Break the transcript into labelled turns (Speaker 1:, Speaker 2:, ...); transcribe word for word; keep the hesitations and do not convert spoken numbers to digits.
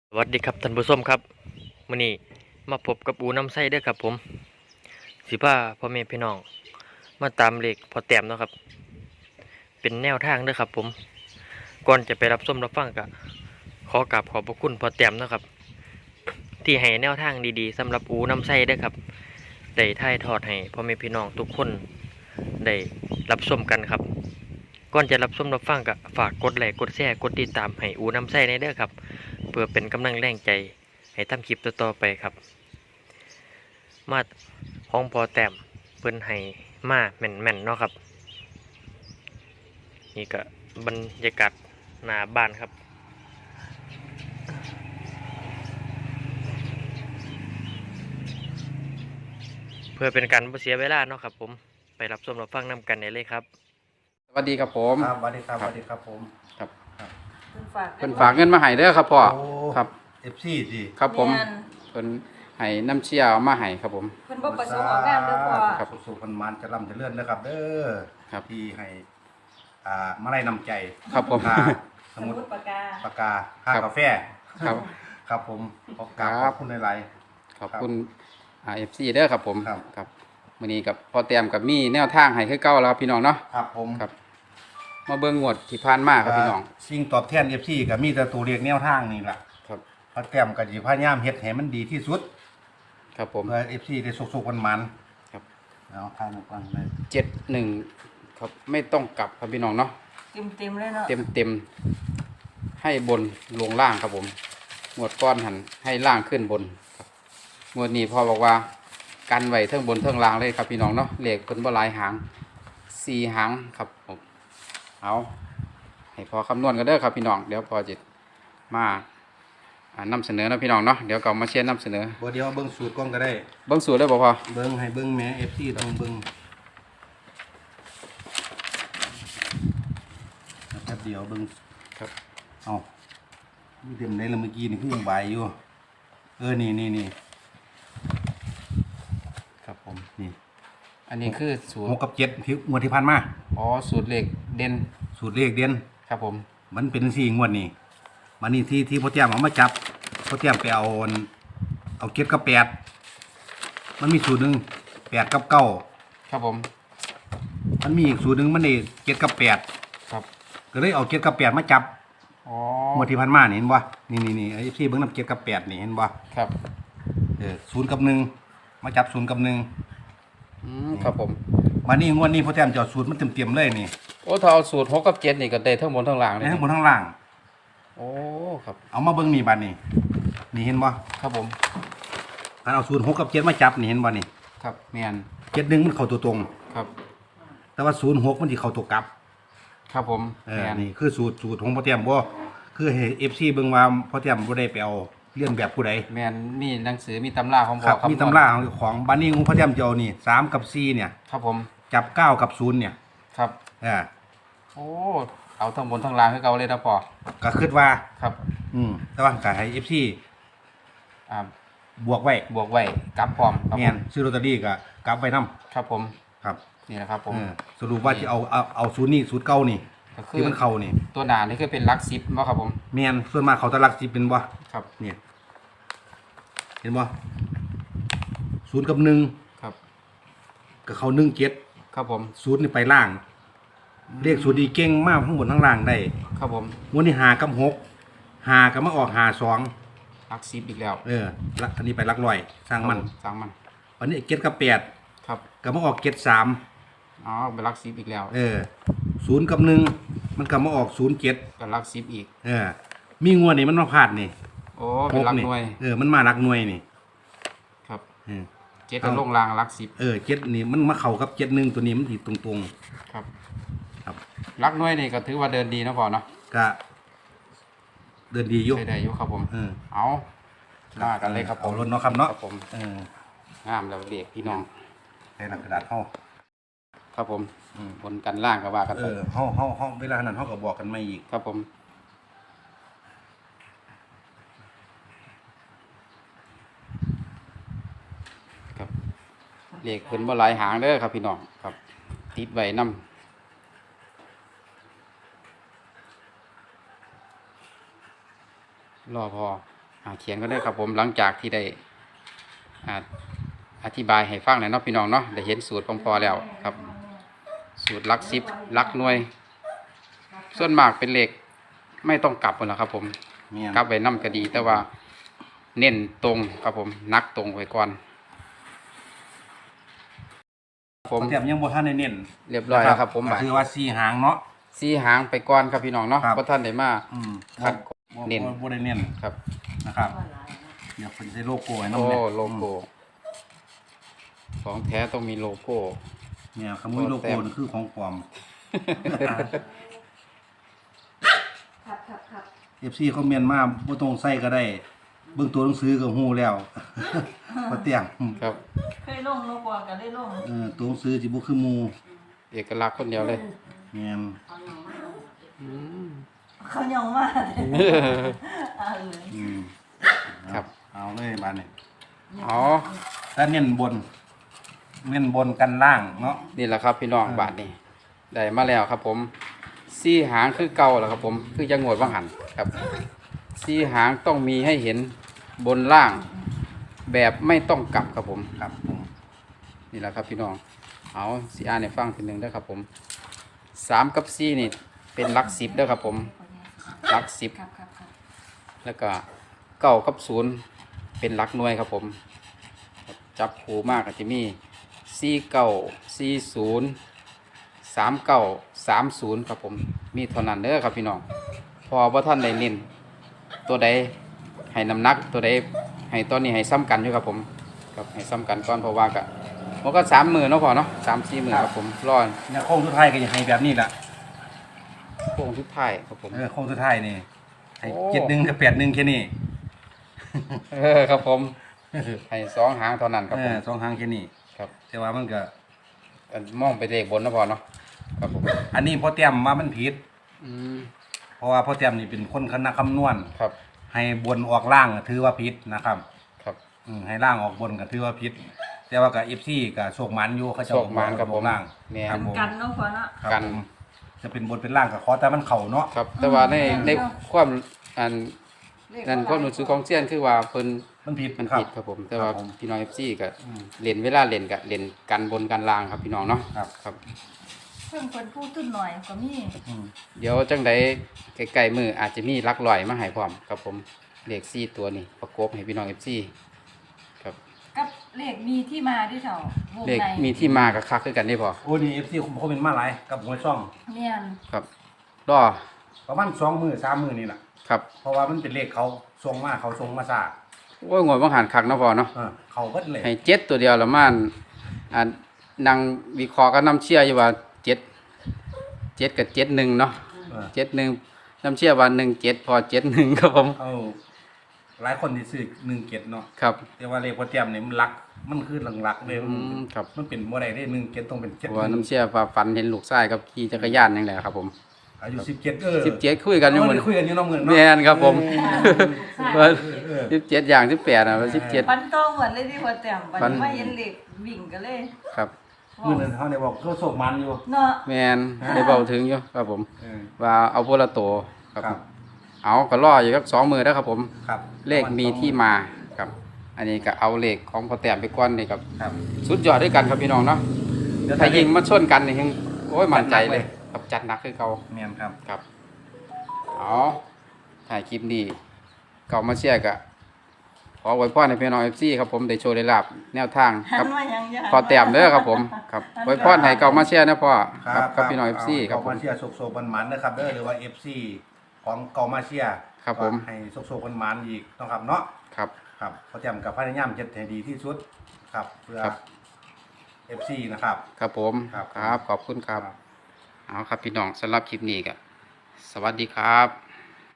Speaker 1: สวัสดีครับท่านผู้ชมครับมื้อนี้มาพบกับอูน้ำไส้เด้อครับผมสิพาพ่อแม่พี่น้องมาตามเลขพอแต้มเนาะครับเป็นแนวทางเด้อครับผมก่อนจะไปรับชมรับฟังก็ขอกราบขอบพระคุณพอแต้มเนาะครับที่ให้แนวทางดีๆสำหรับอูน้ำไส้เด้อครับได้ถ่ายทอดให้พ่อแม่พี่น้องทุกคนได้รับชมกันครับก่อนจะรับชมรับฟังก็ฝากกดไลค์กดแชร์กดติดตามให้อูน้ำไส้ในเด้อครับเพื่อเป็นกำลังแรงใจให้ทำคลิปต่อๆไปครับมาห้องพอแต้มเพิ่นให้มาแม่นๆเนาะครับนี่ก็บรรยากาศหน้าบ้านครับเพื่อเป็นการบ่เสียเวลาเนาะครับผมไปรับชมรับฟังนำกันได้เลยครับ
Speaker 2: สวัสดีครับผม
Speaker 3: ครับสวัสดีครับสวัสดีครับผม
Speaker 2: ครับ
Speaker 4: เพิ่นฝาก
Speaker 2: เพิ่นฝากเงินมาให้เด้อครับพ่อ
Speaker 3: โอ้
Speaker 2: ครับ
Speaker 3: เอฟซีสิ
Speaker 2: ครับผม
Speaker 4: แม่น
Speaker 2: เพิ่นให้น้ำเชี่ยวมาให้ครับผม
Speaker 4: เพิ่นบ่ประสงค์ออกงานเด้อพ่อ
Speaker 2: ครับ
Speaker 3: สุขพันมันจะร่ำจะเลื่อนนะครับเด้อ
Speaker 2: ครับ
Speaker 3: ที่ให้อ่ามาไล่นำใจ
Speaker 2: ครับผม
Speaker 3: ค่าส
Speaker 4: ส
Speaker 3: มุ
Speaker 4: มุ
Speaker 3: ด
Speaker 4: ดปากกา
Speaker 3: ปากกาค่า
Speaker 2: ครับ
Speaker 3: กาแฟ
Speaker 2: ครับ
Speaker 3: ครับผมขอกราบ
Speaker 2: ค
Speaker 3: ข
Speaker 2: รั
Speaker 3: อบ บคุณหลาย
Speaker 2: ขอบคุณอ่า เอฟ ซี เด้อครับผม
Speaker 3: ครับ
Speaker 2: ครับมื้อนี้กับพ่อเตรียมกับมีแนวทางให้คือเก่าแล้วครับพี่น้องเนาะ
Speaker 3: ๆครับผม
Speaker 2: ครับ มาเบิ่งงวดที่ผ่านมาครับพี่น้อง
Speaker 3: สิ่งตอบแทนเอฟซีก็มีแต่ตัวเรียกแนวทางนี่แหละ
Speaker 2: ครับ
Speaker 3: พระแต้มกับจีพายามเฮ็ดให้มันดีที่สุด
Speaker 2: ครับผม
Speaker 3: เพื่อเอฟซีได้สุขๆมัน
Speaker 2: ครับ
Speaker 3: ๆเอาทางฟังเลย
Speaker 2: เจ็ดหนึ่งครับไม่ต้องกลับครับพี่น้องเนาะ
Speaker 4: เต็มๆเลยเนาะ
Speaker 2: เต็มเต็มๆให้บนลงล่างครับผมงวดก้อนหันให้ล่างขึ้นบนครับงวดนี้พ่อบอกว่ากันไว้เทิงบนเทิงล่างเลยครับพี่น้องเนาะเลขเพิ่นบ่หลายหางสี่หางครับผมเอาให้พอคำนวณกันเด้อครับพี่น้องเดี๋ยวพอจิตมาอ่านำเสนอนะพี่น้องเนาะเดี๋ยวก็มาเชียร์นำเสนอ
Speaker 3: บ่เดียวเบิ่งสูตรก่อนก็ได้
Speaker 2: เบิ่งสูตรได้บ่พอ
Speaker 3: เบิ้งให้เบิ้งแหม่เอฟซีต้องเบิ้งแป๊บเดียวเบิ้ง
Speaker 2: ครับ
Speaker 3: เอามีเต็มได้แล้วเมื่อกี้นี่คือยังใบายอยู่ เออนี่นี่นี่ครับผมนี่
Speaker 2: อันนี้คือสูต
Speaker 3: ห
Speaker 2: ร
Speaker 3: กกับเจ็ดที่งวดที่ผ่านมา
Speaker 2: อ๋อสูตรเลขเด่น
Speaker 3: สูตรเลขเด่น
Speaker 2: ครับผม
Speaker 3: มันเป็นสี่งวดนี่มันนี่ที่ที่พ่อเตี้ยมเอามาจับพ่อเตี้ยมไปเอาอันเอาเจ็ดกับแปดมันมีสูตรหนึ่งแปดกับเก้า
Speaker 2: ครับผม
Speaker 3: มันมีอีกสูตรหนึ่งมันนี่เจ็ดกับแปด
Speaker 2: ครับ
Speaker 3: ก็เลยเอาเจ็ดกับแปดมาจับ
Speaker 2: อ๋อ
Speaker 3: งวดที่ผ่านมานี่เห็นบ่นี่นี่นี่ไอ้พี่เบิ้งน้ำเจ็ดกับแปดนี่เห็นบ่
Speaker 2: ครับ
Speaker 3: เออศูนย์กับหนึ่งมาจับศูนย์กับหนึ่ง
Speaker 2: อืมครับผม
Speaker 3: มานี่งวดนี้พ่อแต้มจะเอาสูตรมันเต็มเต็มๆเลยนี่
Speaker 2: โอ้ถ้าเอาสูตรหกกับเจ็ดนี่ก็ได้ทั้งบนทั้งล่างเลย
Speaker 3: ในทั้งบนทั้งล่าง
Speaker 2: โอ้ครับ
Speaker 3: เอามาเบิ้งนี่บัดนี่นี่เห็นบ่
Speaker 2: ครับผม
Speaker 3: การเอาสูตรหกกับเจ็ดมาจับนี่เห็นบ่นี่
Speaker 2: ครับแมน
Speaker 3: เจ็ดหนึ่งมันเข้าตัวตรง
Speaker 2: ครับ
Speaker 3: แต่ว่าศูนย์หกมันสิเข้าตัวกลับ
Speaker 2: ครับผม
Speaker 3: เอ
Speaker 2: แม
Speaker 3: อน นี่คือสูตรสูตรของพ่อแต้มบ่คือให้ เอฟ ซี เบิ่งว่าพ่อแต้มบ่ได้ไปเอาเลียนแบบผู้ใด
Speaker 2: แมนมีหนังสือมีตำราของ
Speaker 3: ครับ
Speaker 2: พ่อ
Speaker 3: มีตำราของเจ้าของบัดนี้ของพ่อแต้มจะเอานี่สามกับสี่เนี่ย
Speaker 2: ครับผม
Speaker 3: จับเก้ากับศูนย์เนี่ย
Speaker 2: ครับ
Speaker 3: เออ
Speaker 2: โอ้เอาทั้งบนทั้งล่างให้เก่าเลยนะพ่อ
Speaker 3: ก็คิดว่า
Speaker 2: ครับ
Speaker 3: อืมแต่ว่าก็ให้ เอฟ ซี
Speaker 2: อ่า
Speaker 3: บวกไว้
Speaker 2: บวกไว้กลับพร้อมครับ
Speaker 3: แม่
Speaker 2: ผ
Speaker 3: น
Speaker 2: ม
Speaker 3: ซื้อลอตเตอรี่ก็กลับไว้นํ
Speaker 2: ครับผม
Speaker 3: ครับ
Speaker 2: นี่นะครับผม
Speaker 3: เออสรุปว่าจะเอาเอาเอาศูนย์นี่ศูนย์เก่านี่
Speaker 2: ก็คือ
Speaker 3: ที่มันเข้านี่
Speaker 2: ตัวหนานี่คือเป็นหลักสิบเนาะครับผม
Speaker 3: แม่นส่วนมากเขาตะลักสิเป็นบ่
Speaker 2: ครับ
Speaker 3: เนี่ยเห็นบ่ศูนย์กับหนึ่ง
Speaker 2: ครับ
Speaker 3: ก็เข้าหนึ่งเจ็ด
Speaker 2: ครับผม
Speaker 3: ศูนย์นี่ไปล่างเลขศูนย์ดีเก่งมากทั้งบนทั้งล่างได้
Speaker 2: ครับผม
Speaker 3: วันนี้หากับหกหากับมาออกหาสอง
Speaker 2: หลักสิบอีกแล้ว
Speaker 3: เออละอันนี้ไปหลักร้อยสร้างมัน
Speaker 2: ครับผสร้างมัน
Speaker 3: วันนี้เจ็ดกับแปด
Speaker 2: ครับ
Speaker 3: กับมาออกเจ็ดสาม
Speaker 2: อ๋อเป็นหลักสิบอีกแล้ว
Speaker 3: เออศูนย์กับหนึ่งมันกับมาออกศูนย์เจ็ด
Speaker 2: เป็นหลักสิบอีก
Speaker 3: เออมีงวดนี่มันมาพลาดนี่
Speaker 2: โอ้เป็นหลัก
Speaker 3: นี่
Speaker 2: หน่วย
Speaker 3: เออมันมาหลักหน่วยนี่
Speaker 2: ครับ
Speaker 3: เออ
Speaker 2: เจ็ดกับลงรางหลักสิบ
Speaker 3: เออเจ็ดนี่มันมาเข้ากับเจ็ดหนึ่งตัวนี้มันติดตรง
Speaker 2: ครับ
Speaker 3: ๆครับ
Speaker 2: หลักหน่วยนี่ก็ถือว่าเดินดีนะพ่อเนาะ
Speaker 3: ก็เดินดีอยู่
Speaker 2: ใช้ได้อยู่ครับผม
Speaker 3: เออ
Speaker 2: เอามากันเลยครับผม
Speaker 3: เอารถเนาะครับเนาะ
Speaker 2: ครับผม
Speaker 3: เออง
Speaker 2: ามแล้วเด็กพี่น้อง
Speaker 3: ใส่หนังกระดาษเฮา
Speaker 2: ครับผม
Speaker 3: อืม
Speaker 2: บนกันล่างก็ว่ากัน
Speaker 3: เอ
Speaker 2: ไป
Speaker 3: อเฮาเฮาเฮาเวลานั้นเฮาก็บอกกันไม่อีก
Speaker 2: ครับผมครับเลขเพิ่นบ่หลายหางเด้อครับพี่น้องครับ ติดไว้นำรอพออ่าเขียนก็ได้ครับผมหลังจากที่ได้อ่าอธิบายให้ฟังแล้วเนาะพี่น้องเนาะได้เห็นสูตรพอๆแล้วครับ สูตรหลักสิบหลักหน่วย ส่วนมากเป็นเลขไม่ต้องกลับหมดแล้วครับผม
Speaker 3: แม่น
Speaker 2: กลับไว้นำก็ดี แต่ว่าเน้นตรงครับผมนักตรงไว้ก่อนผ
Speaker 3: ผม มเทียมยังบ่ทันได้เน้น
Speaker 2: เรียบร้อยแล้วครับผม
Speaker 3: ก็
Speaker 2: บาด
Speaker 3: คือว่าสี่หางเนาะ
Speaker 2: สี่หางไปก่อนครับพี่น้องเนาะ
Speaker 3: ครับ
Speaker 2: เพราะท่านได้มา
Speaker 3: อืม
Speaker 2: ครับ
Speaker 3: บ่
Speaker 2: เน้น
Speaker 3: บ่บ่ได้เน้น
Speaker 2: ครับ
Speaker 3: นะครับเดี๋ยวเพิ่นใส่โลโก้ให้นำ
Speaker 2: โอ้
Speaker 3: เนี่ย
Speaker 2: โลโก้ของแท้ต้องมีโลโก้
Speaker 3: เนี่ยขโมยโลโก้นี่คือของปลอม
Speaker 4: ครับครับครับ
Speaker 3: เอฟซีคอมเมนต์มาบ่ต้องใส่ก็ได้ เบิ่งตัวหนังสือก็ฮู้แล้ว บ่เตียงอืม
Speaker 2: ครับ
Speaker 4: เคยลงลงกว่าก็ได้ลง
Speaker 3: เออตัวหนังสือสิบ่คือหมู่
Speaker 2: เอกลักษณ์คนเดียวเลย
Speaker 3: แม่น
Speaker 4: เขายองมากเอาเลย
Speaker 3: อืม
Speaker 2: ครับ
Speaker 3: เอาเลยบาดนี้
Speaker 2: อ๋อ
Speaker 3: ถ้าเน้นบน เน้นบนกันล่างเนาะ
Speaker 2: นี่แหละครับพี่น้อง
Speaker 3: อ่า
Speaker 2: บาทนี้ได้มาแล้วครับผมสี่หางคือเก่าแล้วครับผมคือยังงดว่างหันครับสี่หางต้องมีให้เห็นบนล่าง แบบไม่ต้องกลับครับผม
Speaker 3: ครับผม
Speaker 2: นี่แหละครับพี่น้องเอาสีอ่านให้ฟังทีหนึ่งเด้อครับผมสามกับสี่นี่เป็นหลักสิบเด้อครับผมหลักสิบ
Speaker 4: ครับครับครับ
Speaker 2: แล้วก็เก้ากับศูนย์เป็นหลักหน่วยครับผมจับผูมากก็จะมีสี่เก้าสี่ศูนย์สามเก้าสามศูนย์ครับผมมีเท่านั้นเด้อครับพี่น้องพอว่าท่านได้เน้นตัวใดให้น้ำหนักตัวใดให้ตอนนี้ให้ซ้ำกันอยู่ครับผมครับให้ซ้ำกันก่อนเพราะว่าก็มันก็สามหมื่นเนาะพอเนาะสามสี่หมื่นครับผมรอ
Speaker 3: เนี่ยโค้งสุดท้ายก็จะให้แบบนี้ล่ะ
Speaker 2: โค้งทุกท้ายครับผม
Speaker 3: เออโค้งสุดท้ายนี่ให้
Speaker 2: โอ้
Speaker 3: เจ็ดหนึ่งกับแปดหนึ่งแค่นี้
Speaker 2: เออครับผมให้สองหางเท่านั้นครับ
Speaker 3: เอ
Speaker 2: ผม
Speaker 3: อสองหางแค่นี้
Speaker 2: ครับ
Speaker 3: แต่ว่ามันก็
Speaker 2: อันมองไปเลขบนเนาะพอเนาะครับผม
Speaker 3: อันนี้พอเตรียมว่ามันผิด
Speaker 2: อืม
Speaker 3: เพราะว่าพอเตรียมนี่เป็นคนคณะคำนวณ
Speaker 2: ครับ
Speaker 3: ให้บนออกล่างก็ถือว่าผิดนะครับ
Speaker 2: ครับ
Speaker 3: อืมให้ล่างออกบนก็ถือว่าผิด แต่ว่ากับเอฟซีกับโชคมันอยู่เขาจะ
Speaker 2: โชคมันครับผม
Speaker 3: ล่าง
Speaker 2: แม่น
Speaker 3: ครับผม
Speaker 4: กันเนาะพอเนาะ
Speaker 3: ครับ
Speaker 2: กัน
Speaker 3: ผมจะเป็นบนเป็นล่างกับขอแต่มันเข่าเนาะ
Speaker 2: ครับ แต่ว่าใน
Speaker 4: อืม
Speaker 2: ในความอัน
Speaker 4: เลข
Speaker 2: นั่นความรู้สึกของเซียนคือว่าเพิ่น
Speaker 3: มันผิด
Speaker 2: มัน
Speaker 3: ครับ
Speaker 2: ผิดครับผม แต่ว่า
Speaker 3: ครับผม
Speaker 2: พี่น้อง เอฟ ซี ก็
Speaker 3: อืม
Speaker 2: เล่นเวลาเล่นก็เล่นกันบนกันล่างครับพี่น้องเนาะ
Speaker 3: ครับ
Speaker 2: ครับ
Speaker 4: เพิ่มคนพูดตุ้นหน่อยก็มี
Speaker 3: อืม
Speaker 2: เดี๋ยวจังใดใกล้ๆมืออาจจะมีลักลอยมาให้พร้อมครับผมเลขสี่ตัวนี้ประกบให้พี่น้อง เอฟ ซี ครับ
Speaker 4: กับเลขมีที่มาที่เถ่าวง
Speaker 2: เลข
Speaker 4: ใน
Speaker 2: มีที่มากับคักคือกันได้พอ
Speaker 3: โอ้นี่เอฟซีเขาเป็นมาหลายกับหัวช่อง
Speaker 4: เนียน
Speaker 2: ครับรอ
Speaker 3: ประมาณสองมือสามมือนี่แหละ
Speaker 2: ครับ
Speaker 3: เพราะว่ามันเป็นเลขเขาทรงมาเขาทรงมาซา
Speaker 2: โอ้ยงวดบังหันคักเนาะพอเนาะ
Speaker 3: เออเขาเบิดเลย
Speaker 2: ให้เจ็ดตัวเดียวละมันอ่านั่งวิเคราะห์ก็น้ำเชื่ออยู่ว่าเจ็ดเจ็ดกับเจ็ดหนึ่งเนาะ
Speaker 3: เออ
Speaker 2: เจ็ดหนึ่งน้ำเชื่อว่าหนึ่งเจ็ดพอเจ็ดหนึ่งครับผม
Speaker 3: เอาหลายคนที่ซื้อหนึ่งเจ็ดเนาะ
Speaker 2: ครับ
Speaker 3: แต่ว่าเลขพอเตรียมนี่มันรัก มันคือหลักๆเลย
Speaker 2: อืมครับ
Speaker 3: มันเป็นบ่ได้ได้หนึ่งเจ็ดต้องเป็น
Speaker 2: เพ
Speaker 3: เจ็ด
Speaker 2: ราะว่าน้ำเชื่อว่าฝันเห็นลูกชายกับขี่จักรยานอย่างไรครับผม
Speaker 3: อายุสิบเจ็ดเออ
Speaker 2: สิบเจ็ดคุยกันอยู่
Speaker 3: เอ
Speaker 2: เห
Speaker 3: อ
Speaker 2: มือน
Speaker 3: ได้คุยกันอยู่เน้องเงิน
Speaker 2: แม
Speaker 3: เนาะ
Speaker 2: นครับผม
Speaker 3: เออ
Speaker 2: สิบเจ็ดอย่างสิบแปดอ่ะสิบเจ็ด
Speaker 4: ปันโตเหมือนเลยที่พอแต้มปัน
Speaker 2: ปัน
Speaker 4: ไม่เห็นเลขวิ่งกันเลย
Speaker 2: ครับ
Speaker 3: มื่อนั้นเขาได้บอกก็โศกมันอยู่
Speaker 4: เนาะ
Speaker 2: แมนได้เบาถึงอยู่ครับผม
Speaker 3: เออ
Speaker 2: ว่าเอาพวกละโตวครับ
Speaker 3: ครับ
Speaker 2: เอาก็ล่ออยู่ครับสองมือแล้วครับผม
Speaker 3: ครับ
Speaker 2: เลขมีที่มาครับ อันนี้ก็เอาเลขของพอแต้มไปก้อนนี่ครับ
Speaker 3: ครับ
Speaker 2: สุดยอดด้วยกันครับพี่น้องเนาะ
Speaker 3: เดี๋ยว
Speaker 2: ถ้า
Speaker 3: ถ้า
Speaker 2: ยิ
Speaker 3: ยิ
Speaker 2: ง
Speaker 3: ง
Speaker 2: มาชนกันนี่ยังโอ้ยมั่นใจเลย
Speaker 3: จัดหนักเลย
Speaker 2: ครับจัดหนักคือเขา
Speaker 3: เมียนครับ
Speaker 2: ครับเอาถ่ายคลิปนี้เก่ามาเชียร์กะขอไว้พ่อในพี่น้องเอฟซีครับผมได้โชว์ได้ลาบแนวทาง
Speaker 4: หั
Speaker 2: ครั
Speaker 4: น
Speaker 2: บ
Speaker 4: มายังยัง
Speaker 2: พอแต้มเด้อครับผมครับไว้พ่อให้เก่ามาเชียร์นะพ่อครับกับพี่น้องเอฟซีครับ
Speaker 3: ข
Speaker 2: ผ
Speaker 3: อ
Speaker 2: ม
Speaker 3: มาเชียร์โศกๆมันๆนะครับเด้อหรือว่า เอฟ ซี ของเกามาเชียร์
Speaker 2: ครับผม
Speaker 3: ให้โศกๆมันๆอีกเนาะครับเนาะ
Speaker 2: ครับ
Speaker 3: ครับพอแจมกับพยายามเจ็ดให้ดีที่สุดครับเพื่อ
Speaker 2: ครับ
Speaker 3: เอฟ ซี นะครับ
Speaker 2: ครับผม
Speaker 3: ครับ
Speaker 2: ครับขอบคุณครับเอาครับพี่น้องสำหรับคลิปนี้ก็สวัสดีครับ